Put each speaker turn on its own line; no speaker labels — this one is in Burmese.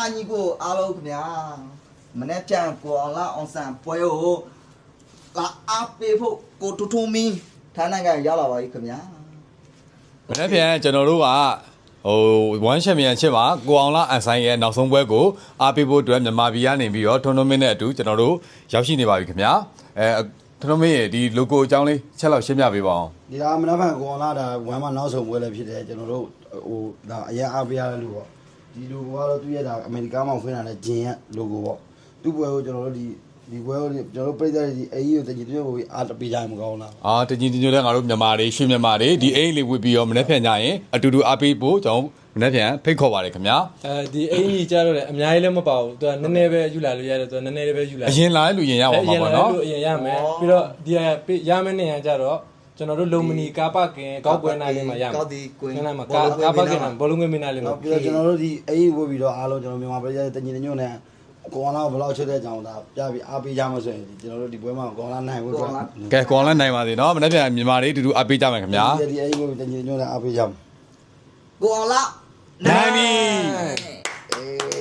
ညီကိုအားလုံးခင်ဗျာမနေ့ပြန်ကိုအောင်လာအောင်ဆန်ပွဲကိုလာအားပေးဖို့ကိုတူတူမီထိုင်းနိုင်ငံရောက်လာပါပြီခင်ဗျာ
မနေ့ပြန်ကျွန်တော်တို့က1 championship မှာကိုအောင်လာအန်ဆိုင်ရဲ့နောက်ဆုံးပွဲကိုအားပေးဖို့အတွက်မြန်မာပြည်ကနေပြီးတော့ tournament နဲ့အတူကျွန်တော်တို့ရောက်ရှိနေပါပြီခင်ဗျာtournament ရဲ့ဒီ logo အကြောင်းလေးချက်လောက်ရှင်းပြပေးပါအောင်
ဒီကမနက်ဖြန်ကိုအောင်လာဒါဝမ်းမနောက်ဆုံးပွဲလည်းဖြစ်တယ်ကျွန်တော်တို့ဒါအရင်အားပေးရတဲ့လူပေါ့ဒီ logo ကတော့သူ့ရဲ့ဒါအမေရိကန်မှာဖွင့်လာတဲ့ဂျင်ရဲ့ logo ပေါ့သူ့ပွဲကိုကျွန်တော်တို့ဒီပွဲကိုကျွန်တော်တို့ပြည်သက်ဒီအေးကိုတကြီးတည်းကိုအားတပေးကြရင်မကောင်းလား
တကြီးတည်းလည်းငါတို့မြန်မာတွေရွှေမြန်မာတွေဒီအေးလေးဝစ်ပြီးတော့မနေ့ပြန်ကြရင်အတူတူအားပေးဖို့ကျွန်တော်မနေ့ပြန်ဖိတ်ခေါ်ပါတယ်ခင်ဗျာ
ဒီအေးကြီးကြတော့လေအများကြီးလည်းမပါဘူးသူကနည်းနည်းပဲယူလာလို့ရတယ်သူကနည်းနည်းလေးပဲယူလာ
အရင်လာလူရင်ရပါမှာပေါ့နော်
အရင်ရမယ်ပြီးတော့ဒီရမယ့်နေရကြတော့ကျွန်တော်တို့လုံမနီကားပကင်ကောက်ပွဲနိုင်လေးမှာရမယ်
ကောက်ဒီကွင်း
မှာကားပကင်မှာဘောလုံးငွေမင်းနိုင်လေးမှာ
ပြီးတော့ကျွန်တော်တို့ဒီအေးဝစ်ပြီးတော့အားလုံးကျွန်တော်မြန်မာပြည်ရဲ့တညီတညွတ်နဲ့ကိုအောင်လာဘယ်လောက်ချစ်တဲ့အကြောင်းဒါပြပြီးအားပေးကြမှာဆိုရင်ကျွန်တော်တို့ဒီပွဲမှာကိုအောင်လာနိုင်ဖို့အတွက်က
ဲကိုအောင်လာနိုင်ပါစေเนาะမနေ့ပြန်မြန်မာတွေအတူတူအားပေးကြမယ်ခင်ဗျာ
ဒီအေးဝစ်တညီတညွတ်နဲ့အားပေးကြမှာ
ကိုအောင်လာ
နိုင်ပြီ